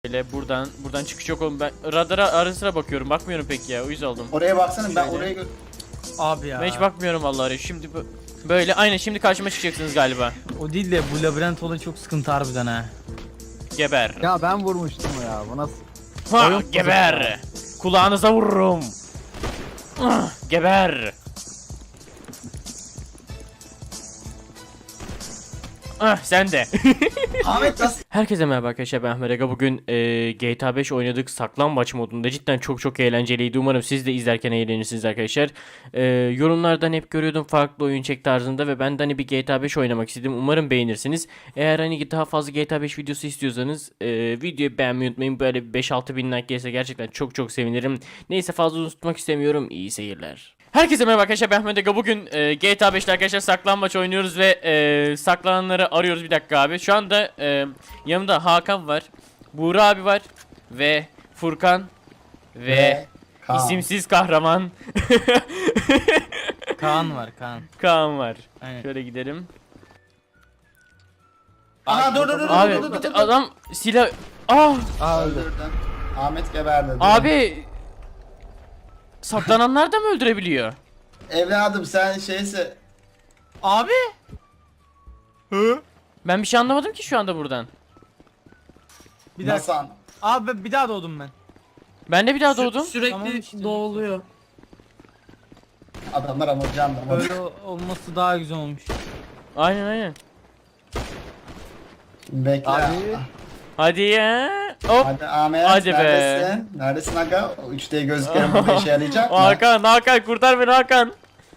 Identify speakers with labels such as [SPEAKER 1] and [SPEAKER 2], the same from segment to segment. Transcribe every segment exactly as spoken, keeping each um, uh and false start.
[SPEAKER 1] Böyle buradan buradan çıkış yok oğlum, ben radara ara sıra bakıyorum, bakmıyorum pek ya, uyuz oldum.
[SPEAKER 2] Oraya baksana, ben
[SPEAKER 1] Şöyle.
[SPEAKER 2] oraya gö-
[SPEAKER 3] Abi ya.
[SPEAKER 1] Ben hiç bakmıyorum vallahi. Şimdi bu- böyle aynen şimdi karşıma çıkacaksınız galiba.
[SPEAKER 3] O değil de bu labirent olayı çok sıkıntı harbiden ha.
[SPEAKER 1] Geber.
[SPEAKER 4] Ya ben vurmuştum ya. Bu nasıl?
[SPEAKER 1] Ha,
[SPEAKER 4] Oyun
[SPEAKER 1] geber. Kulağınıza vururum. Ah, geber. Ah, sen de.
[SPEAKER 2] Ahmet nasıl?
[SPEAKER 1] Herkese merhaba arkadaşlar, ben Ahmet Aga. Bugün e, G T A beş oynadık saklambaç modunda. Cidden çok çok eğlenceliydi. Umarım siz de izlerken eğlenirsiniz arkadaşlar. E, yorumlardan hep görüyordum farklı oyun çek tarzında ve ben de hani bir G T A beş oynamak istedim. Umarım beğenirsiniz. Eğer hani daha fazla G T A beş videosu istiyorsanız e, videoyu beğenmeyi unutmayın. Böyle beş altı bin like gelirse gerçekten çok çok sevinirim. Neyse, fazla uzun tutmak istemiyorum. İyi seyirler. Herkese merhaba arkadaşlar, ben Ahmet Aga. Bugün e, G T A beşte arkadaşlar saklambaç oynuyoruz ve e, saklananları arıyoruz. Bir dakika abi. Şu anda e, yanımda Hakan var, Buğra abi var ve Furkan ve,
[SPEAKER 2] Ve Kaan.
[SPEAKER 1] isimsiz kahraman
[SPEAKER 3] Kaan var Kaan.
[SPEAKER 1] Kaan var.
[SPEAKER 3] Aynen.
[SPEAKER 1] Şöyle gidelim.
[SPEAKER 2] Aha dur dur dur
[SPEAKER 1] Abi
[SPEAKER 2] dur dur dur dur.
[SPEAKER 1] adam silah... Ah
[SPEAKER 4] Aa öldü.
[SPEAKER 2] Öldürdün. Ahmet geberdi. dur.
[SPEAKER 1] abi, saklananlar da mı öldürebiliyor?
[SPEAKER 2] Evladım sen şeyse...
[SPEAKER 3] Abi. Hı?
[SPEAKER 1] Ben bir şey anlamadım ki şu anda buradan.
[SPEAKER 3] Bir dakika.
[SPEAKER 2] Nasıl?
[SPEAKER 3] Abi bir daha doğdum ben.
[SPEAKER 1] Ben de bir daha doğdum.
[SPEAKER 5] Sürekli
[SPEAKER 3] Tamam işte.
[SPEAKER 5] doğuluyor.
[SPEAKER 2] Adamlar ama canlı.
[SPEAKER 3] Öyle olması daha güzel olmuş.
[SPEAKER 1] Aynen aynen.
[SPEAKER 2] Bekle.
[SPEAKER 4] Abi.
[SPEAKER 1] Hadi ya. Hop.
[SPEAKER 2] Hadi Ahmet,
[SPEAKER 1] Hadi be.
[SPEAKER 2] neredesin? Neredesin aga? O üç D gözlüklerim burada işe yarayacak mı?
[SPEAKER 1] Hakan, Hakan kurtar beni Hakan.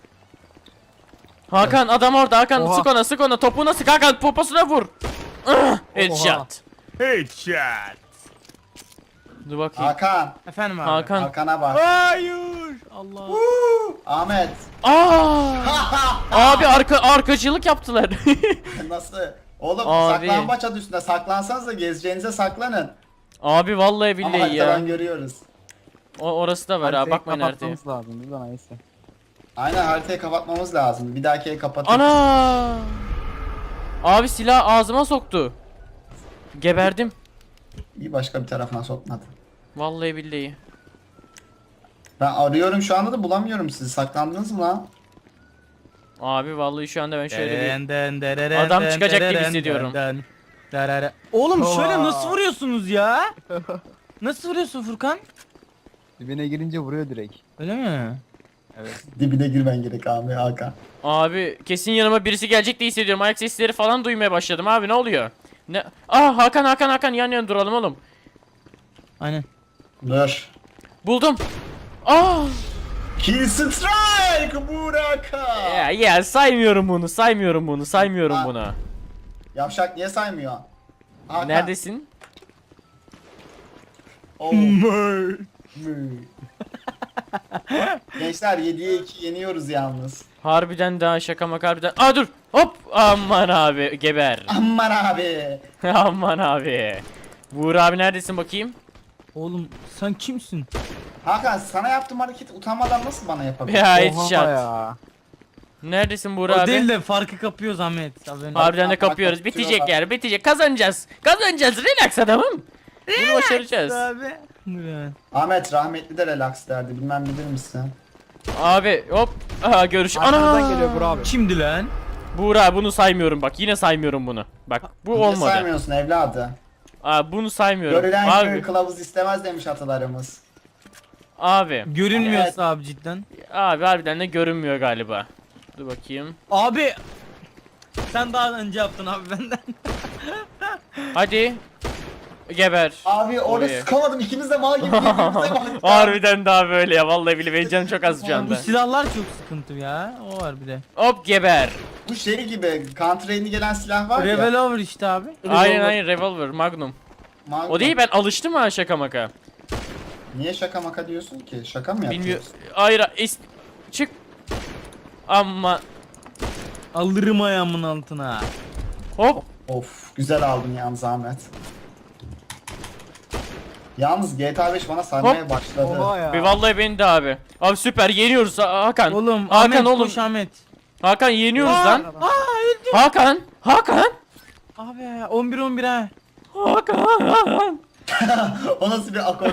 [SPEAKER 1] Hakan adam orada, Hakan
[SPEAKER 4] Oha.
[SPEAKER 1] sık ona, sık ona, topuğuna sık Hakan, poposuna vur. Ah, headshot.
[SPEAKER 3] Headshot.
[SPEAKER 1] Dur bakayım.
[SPEAKER 2] Hakan.
[SPEAKER 3] Efendim abi.
[SPEAKER 1] Hakan.
[SPEAKER 2] Hakan'a bak.
[SPEAKER 3] Hayır. Allah.
[SPEAKER 2] Huu, Ahmet.
[SPEAKER 1] Aa! Abi arka arkacılık yaptılar.
[SPEAKER 2] Nasıl? Oğlum
[SPEAKER 1] Abi.
[SPEAKER 2] saklambaç adı üstünde. Saklansanız da gezeceğinize saklanın.
[SPEAKER 1] Abi vallahi
[SPEAKER 2] Ama
[SPEAKER 1] billahi
[SPEAKER 2] haritadan
[SPEAKER 1] ya.
[SPEAKER 2] görüyoruz.
[SPEAKER 1] O orası da var ha,
[SPEAKER 4] Haritayı
[SPEAKER 1] bakmayın haritaya.
[SPEAKER 4] kapatmamız lazım. Dur lan neyse.
[SPEAKER 2] Aynen, haritayı kapatmamız lazım. Bir dahakiye kapatın.
[SPEAKER 1] Ana! Abi silah ağzıma soktu. Geberdim.
[SPEAKER 2] İyi, başka bir tarafına sokmadı.
[SPEAKER 1] Vallahi billahi.
[SPEAKER 2] Ben arıyorum şu anda da bulamıyorum sizi. Saklandınız mı lan?
[SPEAKER 1] Abi vallahi şu anda ben şöyle bir...
[SPEAKER 3] Den, den, dereren,
[SPEAKER 1] Adam
[SPEAKER 3] den,
[SPEAKER 1] çıkacak gibi
[SPEAKER 3] dereren,
[SPEAKER 1] hissediyorum.
[SPEAKER 3] den, dereren. Oğlum şöyle
[SPEAKER 4] Oha.
[SPEAKER 3] nasıl vuruyorsunuz ya? Nasıl vuruyorsun Furkan?
[SPEAKER 4] Dibine girince vuruyor direkt.
[SPEAKER 3] Öyle mi?
[SPEAKER 4] Evet.
[SPEAKER 2] Dibine girmen gerek abi Hakan.
[SPEAKER 1] Abi kesin yanıma birisi gelecek diye hissediyorum. Ayak sesleri falan duymaya başladım abi, ne oluyor? Ne? Ah, Hakan Hakan Hakan, yan yana duralım oğlum.
[SPEAKER 3] Aynen.
[SPEAKER 2] Dur.
[SPEAKER 1] Buldum. Ah!
[SPEAKER 2] Kill strike Buraka.
[SPEAKER 1] Ya, ya saymıyorum bunu, saymıyorum bunu, saymıyorum
[SPEAKER 2] Ha.
[SPEAKER 1] bunu.
[SPEAKER 2] Yavşak niye saymıyor? Hakan.
[SPEAKER 1] Neredesin?
[SPEAKER 2] Oo. Mü. Gençler yediye iki yeniyoruz yalnız.
[SPEAKER 1] Harbiden daha şaka maka harbiden. Aa dur. Hop. Aman abi geber.
[SPEAKER 2] Aman abi.
[SPEAKER 1] Aman abi. Buğra abi neredesin bakayım?
[SPEAKER 3] Oğlum sen kimsin?
[SPEAKER 2] Hakan, sana yaptığım hareket utanmadan nasıl bana yapabilirsin?
[SPEAKER 1] Ya
[SPEAKER 4] Oha
[SPEAKER 1] headshot.
[SPEAKER 4] ya.
[SPEAKER 1] Neredesin
[SPEAKER 3] O
[SPEAKER 1] Buğra abi?
[SPEAKER 3] değil de farkı kapıyoruz Ahmet. Haberin.
[SPEAKER 1] Harbiden de
[SPEAKER 2] Bak, bak,
[SPEAKER 1] kapıyoruz.
[SPEAKER 2] bak,
[SPEAKER 1] Bitecek
[SPEAKER 2] şurada.
[SPEAKER 1] yer, bitecek. Kazanacağız. Kazanacağız. Relax adamım. Bunu başaracağız.
[SPEAKER 3] Abi. Dur hemen.
[SPEAKER 2] Ahmet rahmetli de relax derdi, bilmem bilir misin?
[SPEAKER 1] Abi hop. Aha görüş.
[SPEAKER 4] Arkamızdan
[SPEAKER 1] Ana.
[SPEAKER 4] geliyor bro abi.
[SPEAKER 3] Kimdi lan?
[SPEAKER 1] Buğra bunu saymıyorum bak. Yine saymıyorum bunu. Bak bu
[SPEAKER 2] Niye
[SPEAKER 1] olmadı.
[SPEAKER 2] saymıyorsun evladı?
[SPEAKER 1] Aa, bunu saymıyorum.
[SPEAKER 2] Görülen
[SPEAKER 1] Abi.
[SPEAKER 2] köy kılavuz istemez demiş atalarımız.
[SPEAKER 1] Abi.
[SPEAKER 3] Görünmüyorsa
[SPEAKER 2] Evet.
[SPEAKER 3] abi cidden.
[SPEAKER 1] Abi harbiden de görünmüyor galiba. Dur bakayım.
[SPEAKER 3] Abi. Sen daha önce yaptın abi benden.
[SPEAKER 1] Hadi. Geber.
[SPEAKER 2] Abi orada
[SPEAKER 1] Oraya.
[SPEAKER 2] sıkamadım, ikimiz de mal gibi birbirimize baktık.
[SPEAKER 1] Harbiden daha böyle ya, vallahi bile benim canım çok az şu
[SPEAKER 3] Bu
[SPEAKER 1] anda.
[SPEAKER 3] silahlar çok sıkıntı ya. O var bir de.
[SPEAKER 1] Hop geber.
[SPEAKER 2] Bu şey gibi counter yeni gelen silah var ya.
[SPEAKER 3] Revolver işte abi.
[SPEAKER 1] Aynen aynen, revolver, magnum.
[SPEAKER 2] Magnum.
[SPEAKER 1] O değil, ben alıştım ha şaka maka.
[SPEAKER 2] Niye şaka maka diyorsun ki? Şaka mı yapıyorsun?
[SPEAKER 1] Bilmiyorum. Hayır, is çık. Ama
[SPEAKER 3] Alırım ayağımın altına.
[SPEAKER 1] hop.
[SPEAKER 2] Of, güzel aldın yalnız Ahmet. Yalnız G T A beş bana sarmaya başladı.
[SPEAKER 4] Oha ya.
[SPEAKER 1] Bir vallahi beni de abi. Abi süper, yeniyoruz Ha- Hakan.
[SPEAKER 3] Oğlum
[SPEAKER 1] Hakan
[SPEAKER 3] Ahmet
[SPEAKER 1] oğlum.
[SPEAKER 3] koş Ahmet.
[SPEAKER 1] Hakan yeniyoruz
[SPEAKER 3] Aa,
[SPEAKER 1] lan.
[SPEAKER 3] Aa öldüm.
[SPEAKER 1] Hakan. Hakan.
[SPEAKER 3] Abi ya on bir on bir ha.
[SPEAKER 1] Hakan.
[SPEAKER 2] O nasıl bir akor?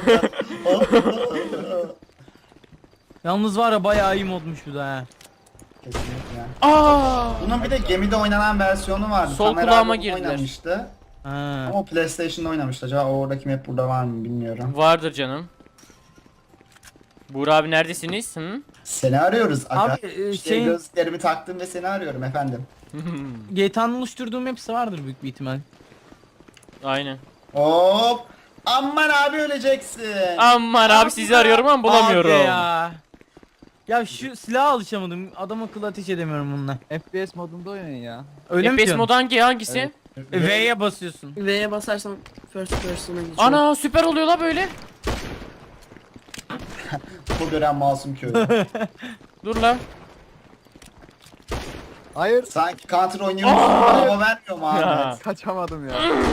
[SPEAKER 3] Yalnız var ya bayağı iyi modmuş bu da ha.
[SPEAKER 2] Kesinlikle.
[SPEAKER 1] Aa!
[SPEAKER 2] Bunun bir de gemide oynanan versiyonu vardı.
[SPEAKER 1] Sol
[SPEAKER 2] Tamer
[SPEAKER 1] kulağıma
[SPEAKER 2] abi bunu
[SPEAKER 1] girdiler.
[SPEAKER 2] oynamıştı.
[SPEAKER 3] Ha.
[SPEAKER 2] Ama o PlayStation'da oynamıştı. Acaba oradaki map burada var mı bilmiyorum.
[SPEAKER 1] Vardır canım. Buğra abi neredesiniz? Hı?
[SPEAKER 2] Seni arıyoruz aga.
[SPEAKER 3] Abi, e,
[SPEAKER 2] işte
[SPEAKER 3] şey-
[SPEAKER 2] gözlerimi taktım ve seni arıyorum efendim.
[SPEAKER 3] G T A'nın oluşturduğum hepsi vardır büyük bir ihtimal.
[SPEAKER 1] Aynen.
[SPEAKER 2] Hop. Aman abi öleceksin.
[SPEAKER 1] Aman abi sizi arıyorum ama bulamıyorum.
[SPEAKER 3] Abi ya. Ya şu silaha alışamadım. Adam akıllı ateş edemiyorum bununla.
[SPEAKER 4] F P S modunda oynayın ya.
[SPEAKER 3] Öyle mi
[SPEAKER 1] F P S
[SPEAKER 3] diyorsun?
[SPEAKER 1] modu hangi hangisi?
[SPEAKER 4] Evet.
[SPEAKER 3] E, V'ye basıyorsun.
[SPEAKER 5] V'ye basarsan first person'a geçiyor.
[SPEAKER 1] Ana süper oluyor la böyle.
[SPEAKER 2] Bu gören masum köylü.
[SPEAKER 1] Dur la.
[SPEAKER 4] Hayır.
[SPEAKER 2] Sanki counter oynuyormuş gibi hava vermiyor mu
[SPEAKER 1] Ya.
[SPEAKER 2] Ahmet?
[SPEAKER 4] Kaçamadım ya.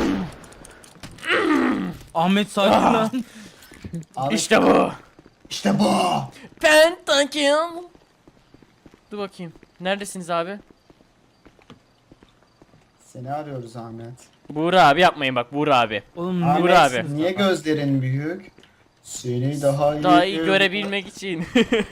[SPEAKER 3] Ahmet sakin lan.
[SPEAKER 2] Ahmet,
[SPEAKER 1] İşte bu.
[SPEAKER 2] İşte bu.
[SPEAKER 1] Pentakill. Dur bakayım. Neredesiniz abi?
[SPEAKER 2] Seni arıyoruz Ahmet.
[SPEAKER 1] Buğra abi yapmayın bak Buğra abi.
[SPEAKER 3] Oğlum
[SPEAKER 2] Ahmet
[SPEAKER 1] Buğra
[SPEAKER 3] neredesiniz
[SPEAKER 1] abi.
[SPEAKER 2] niye
[SPEAKER 3] lan?
[SPEAKER 2] gözlerin büyük? Seni daha iyi,
[SPEAKER 1] Daha iyi görebilmek için.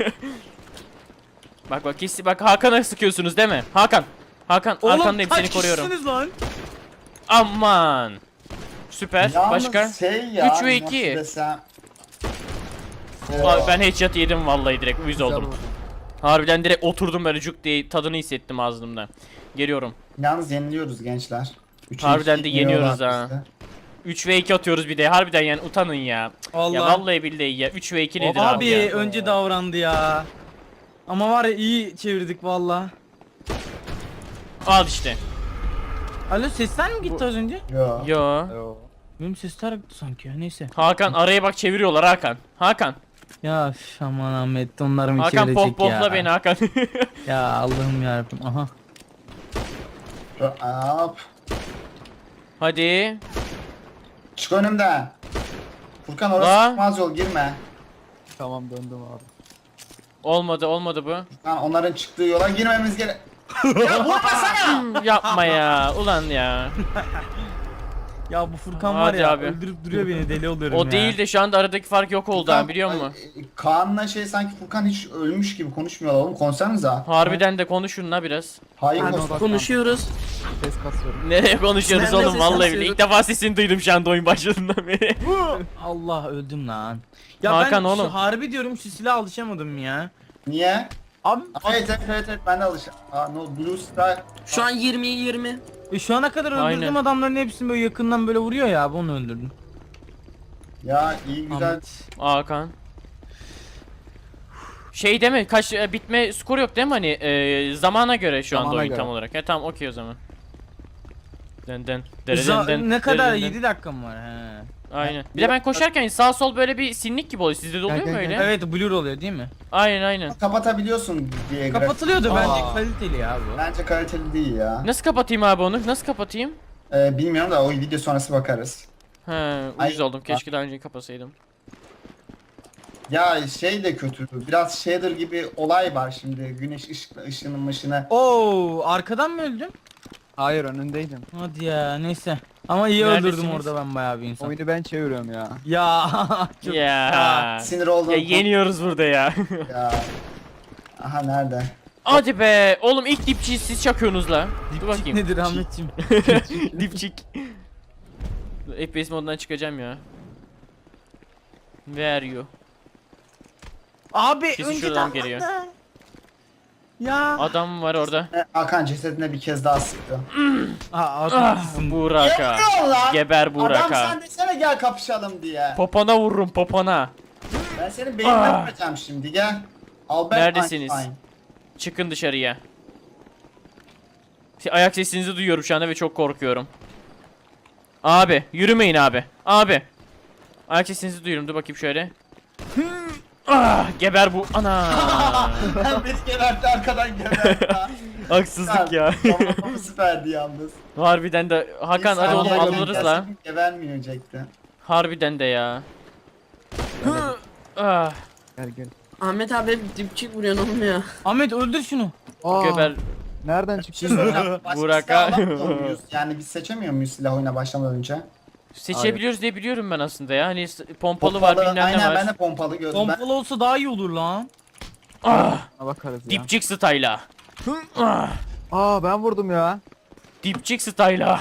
[SPEAKER 1] Bak bak kesin bak Hakan'a sıkıyorsunuz değil mi? Hakan. Hakan
[SPEAKER 3] Oğlum
[SPEAKER 1] arkandayım
[SPEAKER 3] kaç
[SPEAKER 1] seni koruyorum.
[SPEAKER 3] kişisiniz lan?
[SPEAKER 1] Aman. Süper.
[SPEAKER 2] Yalnız
[SPEAKER 1] Başka?
[SPEAKER 2] şey ya,
[SPEAKER 1] Üç ve
[SPEAKER 2] nasıl
[SPEAKER 1] iki.
[SPEAKER 2] desem-
[SPEAKER 1] Abi ben headshot yedim vallahi direkt uyuz
[SPEAKER 4] Güzel
[SPEAKER 1] oldum.
[SPEAKER 4] vurdun.
[SPEAKER 1] Harbiden direkt oturdum böyle cuk diye tadını hissettim ağzımda. Geliyorum.
[SPEAKER 2] Yalnız yeniliyoruz gençler. Üçe
[SPEAKER 1] Harbiden
[SPEAKER 2] iki
[SPEAKER 1] de yeniyoruz
[SPEAKER 2] yeniyorlar
[SPEAKER 1] ha.
[SPEAKER 2] bizi.
[SPEAKER 1] üç ve iki atıyoruz bir de. Harbiden yani utanın ya.
[SPEAKER 3] Allah.
[SPEAKER 1] Ya vallahi billahi ya. üç ve iki nedir
[SPEAKER 3] abi,
[SPEAKER 1] abi ya?
[SPEAKER 3] önce davrandı ya. Ama var ya iyi çevirdik valla.
[SPEAKER 1] Al işte.
[SPEAKER 3] Alo sesler mi gitti
[SPEAKER 1] Bu-
[SPEAKER 3] az önce?
[SPEAKER 2] Yo.
[SPEAKER 1] Yo.
[SPEAKER 4] Yo.
[SPEAKER 3] Benim sesler gitti sanki ya neyse.
[SPEAKER 1] Hakan araya bak çeviriyorlar Hakan. Hakan.
[SPEAKER 3] Ya üf, aman Ahmet onlar mı
[SPEAKER 1] Hakan
[SPEAKER 3] çevirecek
[SPEAKER 1] pop
[SPEAKER 3] ya.
[SPEAKER 1] popla beni Hakan.
[SPEAKER 3] Ya Allah'ım yarabbim aha.
[SPEAKER 2] Hop.
[SPEAKER 1] Hadi.
[SPEAKER 2] Çık önümden. Furkan orası
[SPEAKER 1] La.
[SPEAKER 2] çıkmaz yol girme.
[SPEAKER 4] Tamam döndüm abi.
[SPEAKER 1] Olmadı olmadı bu.
[SPEAKER 2] Furkan onların çıktığı yola girmemiz gerek. Ya vurmasana.
[SPEAKER 1] Yapma ya. Ulan ya.
[SPEAKER 3] Ya bu Furkan
[SPEAKER 1] Hadi
[SPEAKER 3] var ya
[SPEAKER 1] abi.
[SPEAKER 3] öldürüp duruyor beni deli oluyorum
[SPEAKER 1] O
[SPEAKER 3] ya.
[SPEAKER 1] değil de şu anda aradaki fark yok oldu ha biliyor musun?
[SPEAKER 2] Ay, Kaan'la şey sanki Furkan hiç ölmüş gibi konuşmuyorlar oğlum, konuşsanıza.
[SPEAKER 1] Harbiden de konuşun la biraz.
[SPEAKER 2] Hayır
[SPEAKER 5] Abi,
[SPEAKER 2] konuş.
[SPEAKER 5] konuşuyoruz.
[SPEAKER 4] Ses kasıyorum.
[SPEAKER 1] Nereye konuşuyoruz
[SPEAKER 5] Nerede
[SPEAKER 1] oğlum
[SPEAKER 5] ses
[SPEAKER 1] vallahi
[SPEAKER 5] kasıyoruz?
[SPEAKER 1] bile. İlk defa sesini duydum şu anda oyun başladığından beri.
[SPEAKER 3] Allah öldüm lan. Ya
[SPEAKER 1] Hakan
[SPEAKER 3] ben
[SPEAKER 1] oğlum.
[SPEAKER 3] şu harbi diyorum şu silaha alışamadım ya.
[SPEAKER 2] Niye?
[SPEAKER 3] Abi
[SPEAKER 2] Evet evet evet, evet ben de alışım. Aa no Blue Star.
[SPEAKER 5] Şu an yirmiye yirmi.
[SPEAKER 3] e, şu ana kadar öldürdüğüm
[SPEAKER 1] Aynen.
[SPEAKER 3] adamların hepsini böyle yakından böyle vuruyor ya abi onu öldürdüm.
[SPEAKER 2] Ya iyi güzel.
[SPEAKER 3] Ahmet.
[SPEAKER 1] Hakan. Şey deme kaç e, bitme skor yok değil mi hani e, zamana göre şu anda
[SPEAKER 4] Zamana
[SPEAKER 1] oyun
[SPEAKER 4] göre.
[SPEAKER 1] tam olarak. Ya tamam okey o zaman. Den den
[SPEAKER 3] Za-
[SPEAKER 1] den den,
[SPEAKER 3] ne kadar
[SPEAKER 1] den, den.
[SPEAKER 3] yedi dakika mı var he.
[SPEAKER 1] Aynen. Bir de ben koşarken sağ sol böyle bir sinlik gibi oluyor. Sizde de oluyor
[SPEAKER 4] Gel,
[SPEAKER 1] mu
[SPEAKER 4] gel,
[SPEAKER 1] öyle?
[SPEAKER 4] gel.
[SPEAKER 3] Evet blur oluyor değil mi?
[SPEAKER 1] Aynen aynen.
[SPEAKER 2] Kapatabiliyorsun diye grafik.
[SPEAKER 3] Kapatılıyordu
[SPEAKER 2] Aa,
[SPEAKER 3] bence kaliteli ya bu.
[SPEAKER 2] Bence kaliteli değil ya.
[SPEAKER 1] Nasıl kapatayım abi onu? Nasıl kapatayım?
[SPEAKER 2] Ee, bilmiyorum da o video sonrası bakarız.
[SPEAKER 1] He,
[SPEAKER 2] Ay-
[SPEAKER 1] uyuz oldum. Keşke daha önce kapasaydım.
[SPEAKER 2] Ya şey de kötü. Biraz shader gibi olay var şimdi. Güneş ışıkla ışının ışını.
[SPEAKER 3] Oo arkadan mı öldüm?
[SPEAKER 4] Hayır önündeydim.
[SPEAKER 3] Hadi ya neyse. Ama iyi
[SPEAKER 1] Neredesiniz?
[SPEAKER 3] öldürdüm orada ben bayağı bir insan.
[SPEAKER 4] Oyunu ben çeviriyorum ya.
[SPEAKER 3] Ya çok
[SPEAKER 1] Ya.
[SPEAKER 2] Sinir oldum.
[SPEAKER 1] Ya yeniyoruz burada ya.
[SPEAKER 2] Ya. Aha nerede?
[SPEAKER 1] Hadi be. Oğlum ilk dipçiyi siz çakıyorsunuz la. Dur bakayım.
[SPEAKER 3] nedir Ahmetciğim?
[SPEAKER 1] Dipçik. F P S modundan çıkacağım ya. Where are you?
[SPEAKER 3] Abi
[SPEAKER 1] Kesin
[SPEAKER 3] önce
[SPEAKER 1] şuradan
[SPEAKER 3] davrandı.
[SPEAKER 1] geliyor.
[SPEAKER 3] Ya.
[SPEAKER 1] Adam var orada.
[SPEAKER 2] E, Hakan cesedine bir kez daha sıktı.
[SPEAKER 3] Aa,
[SPEAKER 1] Ah,
[SPEAKER 3] haklısın.
[SPEAKER 1] Buraka.
[SPEAKER 2] Yapıyor lan.
[SPEAKER 1] Geber
[SPEAKER 2] Adam
[SPEAKER 1] Buraka.
[SPEAKER 2] sen desene gel kapışalım diye.
[SPEAKER 1] Popona vururum popona.
[SPEAKER 2] Ben senin beynine
[SPEAKER 1] Ah.
[SPEAKER 2] vuracağım şimdi gel. Albert
[SPEAKER 1] Neredesiniz?
[SPEAKER 2] Einstein.
[SPEAKER 1] Çıkın dışarıya. Si- Ayak sesinizi duyuyorum şu anda ve çok korkuyorum. Abi yürümeyin abi. Abi. Ayak sesinizi duyuyorum. Dur bakayım şöyle. Ah, geber bu. Ana.
[SPEAKER 2] Hem beni gebertti arkadan gebertti. ha.
[SPEAKER 1] Haksızlık ya.
[SPEAKER 2] Tamam süperdi yalnız.
[SPEAKER 1] Harbiden de Hakan hadi oğlum
[SPEAKER 2] İnsanlar
[SPEAKER 1] alırız
[SPEAKER 2] gelsin,
[SPEAKER 1] la.
[SPEAKER 2] Gebermeyecekti.
[SPEAKER 1] Harbiden de ya. Ah,
[SPEAKER 4] Gel gel.
[SPEAKER 5] Ahmet abi hep dipçik vuruyorsun oğlum ya.
[SPEAKER 3] Ahmet öldür şunu.
[SPEAKER 4] Aa,
[SPEAKER 1] geber.
[SPEAKER 4] Nereden
[SPEAKER 2] Bir şey
[SPEAKER 4] çıktın?
[SPEAKER 2] soracağım. Başka
[SPEAKER 1] Buraka.
[SPEAKER 2] silah alamıyor muyuz? Yani biz seçemiyor muyuz silah oyuna başlamadan önce?
[SPEAKER 1] Seçebiliyoruz diye biliyorum ben aslında ya. Hani s- pompalı, var,
[SPEAKER 2] Pompalı,
[SPEAKER 1] bilmem ne
[SPEAKER 2] aynen
[SPEAKER 1] var.
[SPEAKER 2] ben de pompalı gördüm. Ben,
[SPEAKER 3] Pompalı olsa daha iyi olur lan.
[SPEAKER 1] Ah,
[SPEAKER 4] Ona bakarız ya.
[SPEAKER 1] dipçik style'a. Ah,
[SPEAKER 4] Aa ben vurdum ya.
[SPEAKER 1] dipçik style'a.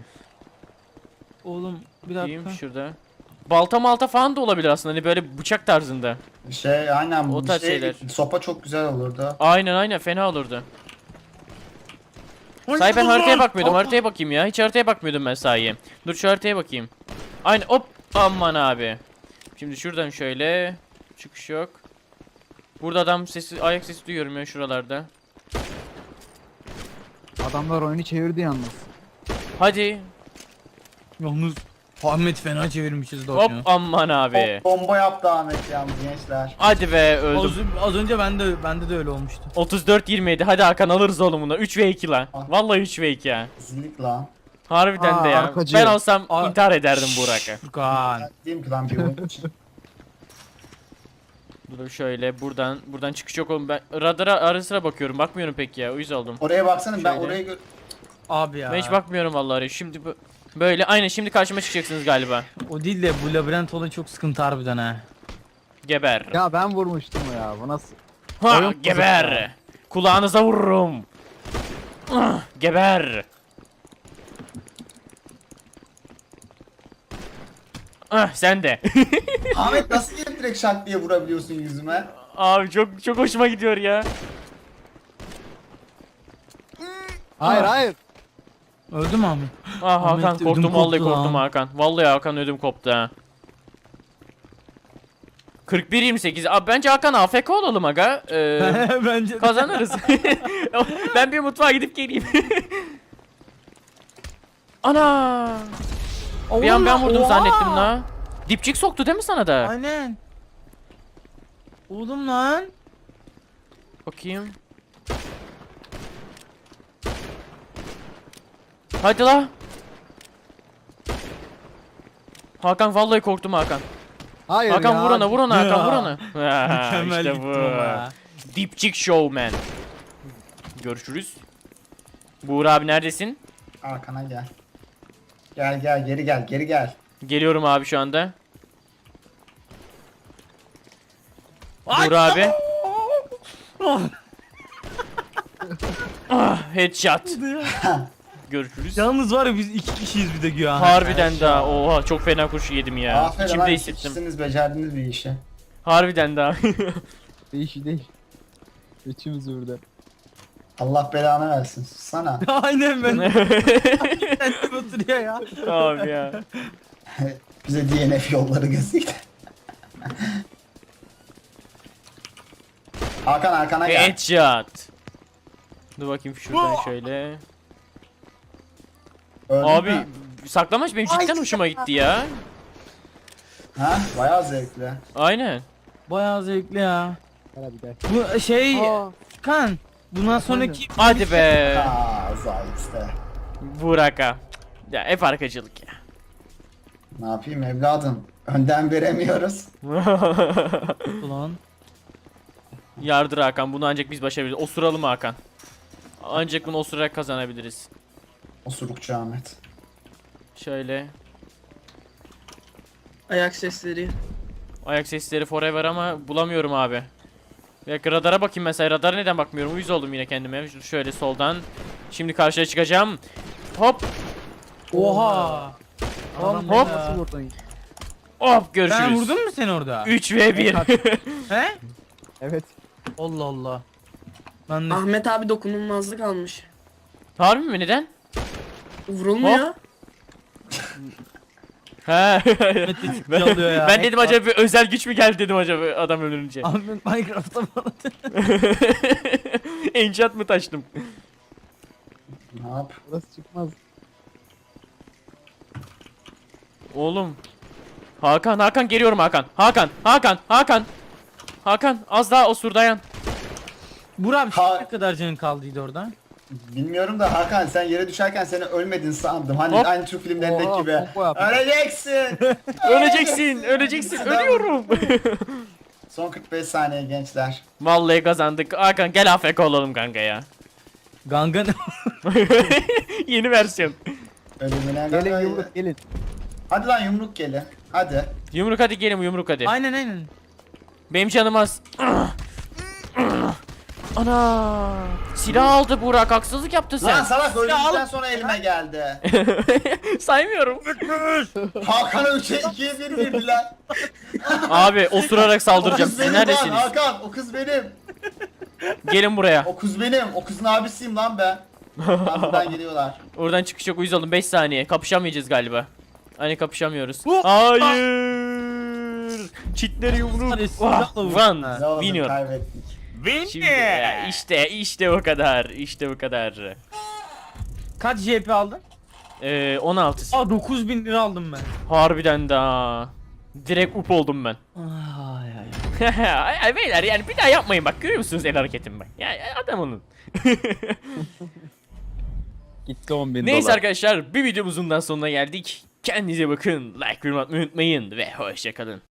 [SPEAKER 3] Oğlum bir
[SPEAKER 1] Diyeyim
[SPEAKER 3] dakika.
[SPEAKER 1] şurada. Balta malta falan da olabilir aslında. Hani böyle bıçak tarzında.
[SPEAKER 2] şey aynen
[SPEAKER 1] O
[SPEAKER 2] bu
[SPEAKER 1] tarz
[SPEAKER 2] şey,
[SPEAKER 1] şeyler.
[SPEAKER 2] sopa çok güzel olurdu.
[SPEAKER 1] Aynen aynen fena olurdu. Sahi ben haritaya bakmıyordum. Haritaya bakayım ya. Hiç haritaya bakmıyordum ben sahi. Dur şu haritaya bakayım. Aynen hop. Aman abi. Şimdi şuradan şöyle. Çıkış yok. Burada adam sesi, ayak sesi duyuyorum ya şuralarda.
[SPEAKER 4] Adamlar oyunu çevirdi yalnız.
[SPEAKER 1] Hadi.
[SPEAKER 3] Yalnız Ahmet fena çevirmişiz
[SPEAKER 1] Hop
[SPEAKER 3] Doğukan'ı.
[SPEAKER 1] aman abi.
[SPEAKER 2] Hop, bomba yaptı Ahmet yalnız gençler.
[SPEAKER 1] Hadi be öldüm.
[SPEAKER 3] Az, az önce bende bende de öyle olmuştu.
[SPEAKER 1] otuz dört yirmi yedi. Hadi Hakan alırız oğlum bunu. üç ve iki lan.
[SPEAKER 2] Ah.
[SPEAKER 1] Vallahi üç ve iki ya.
[SPEAKER 2] Zillik lan.
[SPEAKER 1] Harbiden
[SPEAKER 4] Aa,
[SPEAKER 1] de ya.
[SPEAKER 4] arkacı.
[SPEAKER 1] Ben olsam
[SPEAKER 3] Aa.
[SPEAKER 1] intihar ederdim Burak'a.
[SPEAKER 3] Furkan.
[SPEAKER 2] Ben diyeyim ki lan bir oyun için.
[SPEAKER 1] Dur şöyle buradan buradan çıkış yok oğlum. Ben radara ara sıra bakıyorum. Bakmıyorum pek ya. Uyuz oldum.
[SPEAKER 2] Oraya baksana ben
[SPEAKER 1] Şöyle.
[SPEAKER 2] oraya gö-
[SPEAKER 3] Abi ya.
[SPEAKER 1] Ben hiç bakmıyorum vallahi. Şimdi bu böyle aynen şimdi karşıma çıkacaksınız galiba.
[SPEAKER 3] O değil de bu labirent olayı çok sıkıntı harbiden ha.
[SPEAKER 1] Geber.
[SPEAKER 4] Ya ben vurmuştum ya. Bu nasıl?
[SPEAKER 1] Ha,
[SPEAKER 4] oyun
[SPEAKER 1] geber.
[SPEAKER 4] bozuk ya.
[SPEAKER 1] Kulağınıza vururum. Ah, geber. Ah sen de.
[SPEAKER 2] Ahmet nasıl gelip direkt şak diye vurabiliyorsun yüzüme?
[SPEAKER 1] Abi çok çok hoşuma gidiyor ya.
[SPEAKER 4] Hayır hayır.
[SPEAKER 3] Öldü mü Ahmet?
[SPEAKER 1] Ah
[SPEAKER 3] Ahmet,
[SPEAKER 1] Hakan
[SPEAKER 3] ödüm
[SPEAKER 1] korktum vallahi
[SPEAKER 3] koptu
[SPEAKER 1] korktum
[SPEAKER 3] lan.
[SPEAKER 1] Hakan. Vallahi Hakan ödüm koptu ha. kırk bir yirmi sekiz. Abi bence Hakan A F K olalım aga. Ee,
[SPEAKER 3] Bence de.
[SPEAKER 1] kazanırız. Ben bir mutfağa gidip geleyim. Ana! Bir an ben vurdum
[SPEAKER 3] Oha!
[SPEAKER 1] zannettim la. Dipçik soktu değil mi sana da?
[SPEAKER 3] Aynen. Oğlum lan.
[SPEAKER 1] Bakayım. Hadi la. Hakan vallahi korktum Hakan.
[SPEAKER 4] Hayır
[SPEAKER 1] Hakan
[SPEAKER 4] ya.
[SPEAKER 1] vur ona vur ona Hakan
[SPEAKER 3] Ya.
[SPEAKER 1] vur ona. Ha,
[SPEAKER 3] Mükemmel
[SPEAKER 1] işte
[SPEAKER 3] gittim
[SPEAKER 1] bu.
[SPEAKER 3] ama ya.
[SPEAKER 1] Dipçik showman. Görüşürüz. Buğra abi neredesin?
[SPEAKER 2] Arkana gel. Gel gel geri gel geri gel.
[SPEAKER 1] Geliyorum abi şu anda. Buğra abi. Ah, headshot. Görüşürüz.
[SPEAKER 3] Yalnız var ya biz iki kişiyiz bir de güya.
[SPEAKER 1] Harbiden daha. Oha çok fena kurşun yedim ya.
[SPEAKER 2] Aferin
[SPEAKER 1] İçimde
[SPEAKER 2] lan
[SPEAKER 1] hissettim.
[SPEAKER 2] ikisiniz becerdiniz bir işi.
[SPEAKER 1] Harbiden daha.
[SPEAKER 4] Değişi değil. İçimiz burada.
[SPEAKER 2] Allah belanı versin. Sana.
[SPEAKER 3] Aynen ben. Kendim oturuyor ya.
[SPEAKER 1] Abi ya.
[SPEAKER 2] Bize D N F yolları gözüktü. Hakan arkana gel.
[SPEAKER 1] Headshot. Dur bakayım şuradan şöyle.
[SPEAKER 2] Öldün
[SPEAKER 1] Abi
[SPEAKER 2] mü?
[SPEAKER 1] saklamaç benim cidden hoşuma gitti ya.
[SPEAKER 2] Ha bayağı zevkli.
[SPEAKER 1] Aynen.
[SPEAKER 3] Bayağı zevkli ya.
[SPEAKER 4] Gel hadi gel.
[SPEAKER 3] Bu şey
[SPEAKER 4] Aa,
[SPEAKER 3] kan. Bundan sonraki
[SPEAKER 1] Hadi be.
[SPEAKER 2] Aa zayıf işte.
[SPEAKER 1] Burak'a. Ya hep arkacılık ya.
[SPEAKER 2] Ne yapayım evladım? Önden veremiyoruz.
[SPEAKER 3] ulan.
[SPEAKER 1] Yardır Hakan bunu ancak biz başarabiliriz. Osuralım Hakan. Ancak bunu osurarak kazanabiliriz.
[SPEAKER 2] Osurukçu Ahmet.
[SPEAKER 1] Şöyle.
[SPEAKER 5] Ayak sesleri.
[SPEAKER 1] Ayak sesleri forever ama bulamıyorum abi. Bir dakika radara bakayım mesela. Radara neden bakmıyorum? Uyuz oldum yine kendime. Ş- Şöyle soldan. Şimdi karşıya çıkacağım. Hop.
[SPEAKER 3] Oha.
[SPEAKER 4] adam
[SPEAKER 1] hop.
[SPEAKER 4] beni nasıl vurdun?
[SPEAKER 1] Hop görüşürüz.
[SPEAKER 3] Ben vurdun mu seni orada?
[SPEAKER 1] üç ve bir.
[SPEAKER 3] He?
[SPEAKER 4] Evet.
[SPEAKER 3] Allah Allah. Ben de
[SPEAKER 5] Ahmet abi dokunulmazlık almış.
[SPEAKER 1] Harbi mi? Neden?
[SPEAKER 5] Vurulmuyor.
[SPEAKER 1] He.
[SPEAKER 3] Ahmet de ciddi alıyor ya.
[SPEAKER 1] Ben dedim acaba bir özel güç mü geldi dedim acaba adam ölünce.
[SPEAKER 3] Ahmet Minecraft'ta bana.
[SPEAKER 1] Enchant mı taştım?
[SPEAKER 2] Ne yap?
[SPEAKER 4] Burası çıkmaz.
[SPEAKER 1] Oğlum. Hakan Hakan geliyorum Hakan. Hakan Hakan Hakan. Hakan az daha osur dayan.
[SPEAKER 3] Burak abi
[SPEAKER 2] Ha-
[SPEAKER 3] ne kadar canın kaldıydı orada?
[SPEAKER 2] Bilmiyorum da Hakan sen yere düşerken seni ölmedin sandım. Hani
[SPEAKER 1] Hop.
[SPEAKER 2] aynı Türk filmlerindeki
[SPEAKER 4] Oha,
[SPEAKER 2] gibi.
[SPEAKER 4] pompa yaptı.
[SPEAKER 2] Öleceksin.
[SPEAKER 1] Öleceksin, öleceksin. Ölüyorum.
[SPEAKER 2] Son kırk beş saniye gençler.
[SPEAKER 1] Vallahi kazandık. Hakan gel A F K olalım kanka ya.
[SPEAKER 3] Gangan.
[SPEAKER 1] Yeni versiyon.
[SPEAKER 2] Ölümüne
[SPEAKER 4] Gelin
[SPEAKER 2] kadar-
[SPEAKER 4] yumruk gelin.
[SPEAKER 2] Hadi lan yumruk geli. Hadi.
[SPEAKER 1] Yumruk hadi gelin yumruk hadi.
[SPEAKER 3] Aynen aynen.
[SPEAKER 1] Benim canım az. Ana. Silah aldı Burak, haksızlık yaptın
[SPEAKER 2] Lan
[SPEAKER 1] sen.
[SPEAKER 2] salak öldükten
[SPEAKER 3] al-
[SPEAKER 2] sonra elime geldi.
[SPEAKER 1] Saymıyorum.
[SPEAKER 2] Hakan'a üçe ikiye bir verdiler.
[SPEAKER 1] Abi osurarak
[SPEAKER 2] O
[SPEAKER 1] saldıracağım.
[SPEAKER 2] kız
[SPEAKER 1] Siz
[SPEAKER 2] benim lan
[SPEAKER 1] neredesiniz?
[SPEAKER 2] Hakan, o kız benim.
[SPEAKER 1] Gelin buraya.
[SPEAKER 2] O kız benim. O kızın abisiyim lan ben. Lan buradan geliyorlar.
[SPEAKER 1] Oradan çıkış yok, uyuz oldum. beş saniye. Kapışamayacağız galiba. Hani kapışamıyoruz.
[SPEAKER 3] Bu-
[SPEAKER 1] Hayır. Çitleri yumruk.
[SPEAKER 3] Hadi
[SPEAKER 1] Oh,
[SPEAKER 3] silahla vur.
[SPEAKER 1] One.
[SPEAKER 2] Ne oldu
[SPEAKER 1] Winner.
[SPEAKER 2] kaybettik.
[SPEAKER 1] Şimdi ya, işte işte o kadar. İşte bu kadar.
[SPEAKER 3] Kaç J P aldın?
[SPEAKER 1] Ee, on altı.
[SPEAKER 3] Aa dokuz bin lira aldım ben.
[SPEAKER 1] Harbiden daha. Direkt up oldum ben.
[SPEAKER 3] Ay ay.
[SPEAKER 1] Ay, ay beyler yani bir daha yapmayın bak, görüyor musunuz el hareketimi bak. Ya ya adam onun.
[SPEAKER 4] Gitti on bin
[SPEAKER 1] Neyse
[SPEAKER 4] dolar.
[SPEAKER 1] arkadaşlar, bir videomuzun da sonuna geldik. Kendinize bakın, like, yorum atmayı unutmayın ve hoşça kalın.